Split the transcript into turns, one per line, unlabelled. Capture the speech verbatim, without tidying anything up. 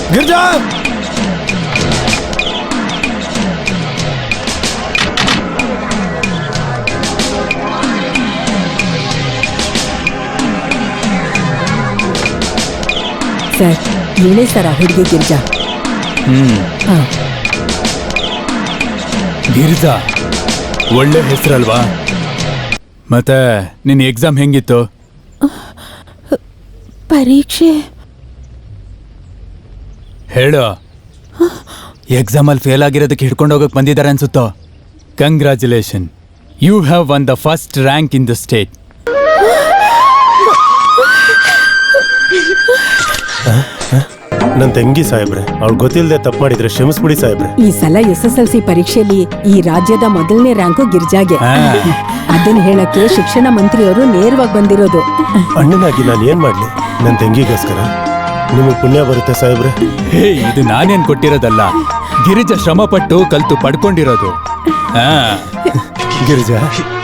Girja
sir ಇವಳೇ sir ಆ ಹುಡುಗಿ ಗಿರ್ಜಾ.
ಹ್ಮ್
ಹಾ
ಗಿರ್ಜಾ ಒಳ್ಳೆ ಹೆಸರಲ್ವಾ? ಮತ್ತೆ ನಿನ್ನ ಎಕ್ಸಾಮ್ ಹೆಂಗಿತ್ತು?
ಪರೀಕ್ಷೆ
ಹೇಳು. ಎಕ್ಸಾಮಲ್ಲಿ ಫೇಲ್ ಆಗಿರೋದಕ್ಕೆ ಹಿಡ್ಕೊಂಡು ಹೋಗಕ್ಕೆ ಬಂದಿದ್ದಾರೆ ಅನ್ಸುತ್ತೋ. Congratulation, you have won the first rank in the state.
ನನ್ನ ತಂಗಿ ಸಾಹೇಬ್ರೆ, ಅವ್ಳು ಗೊತ್ತಿಲ್ಲದೆ ತಪ್ಪು ಮಾಡಿದ್ರೆ ಕ್ಷಮಿಸ್ಬಿಡಿ ಸಾಹೇಬ್ರೆ.
ಈ ಸಲ ಎಸ್ ಎಸ್ ಎಲ್ ಸಿ ಪರೀಕ್ಷೆಯಲ್ಲಿ ಈ ರಾಜ್ಯದ ಮೊದಲನೇ ರ್ಯಾಂಕು ಗಿರ್ಜಾಗೆ.
ಹಾ.
ಅದನ್ನ ಹೇಳಕ್ಕೆ ಶಿಕ್ಷಣ ಮಂತ್ರಿಯವರು ನೇರವಾಗಿ ಬಂದಿರೋದು.
ಅಣ್ಣನಾಗಿ ನಾನು ಏನ್ ಮಾಡ್ಲಿ ನನ್ನ ತಂಗಿಗೋಸ್ಕರ? ನಿಮಗೆ ಪುಣ್ಯ ಬರುತ್ತೆ ಸಾಹೇಬ್ರೆ.
ಹೇ, ಇದು ನಾನೇನ್ ಕೊಟ್ಟಿರೋದಲ್ಲ, ಗಿರಿಜಾ ಶ್ರಮಪಟ್ಟು ಕಲ್ತು ಪಡ್ಕೊಂಡಿರೋದು. ಹಾ
ಗಿರಿಜಾ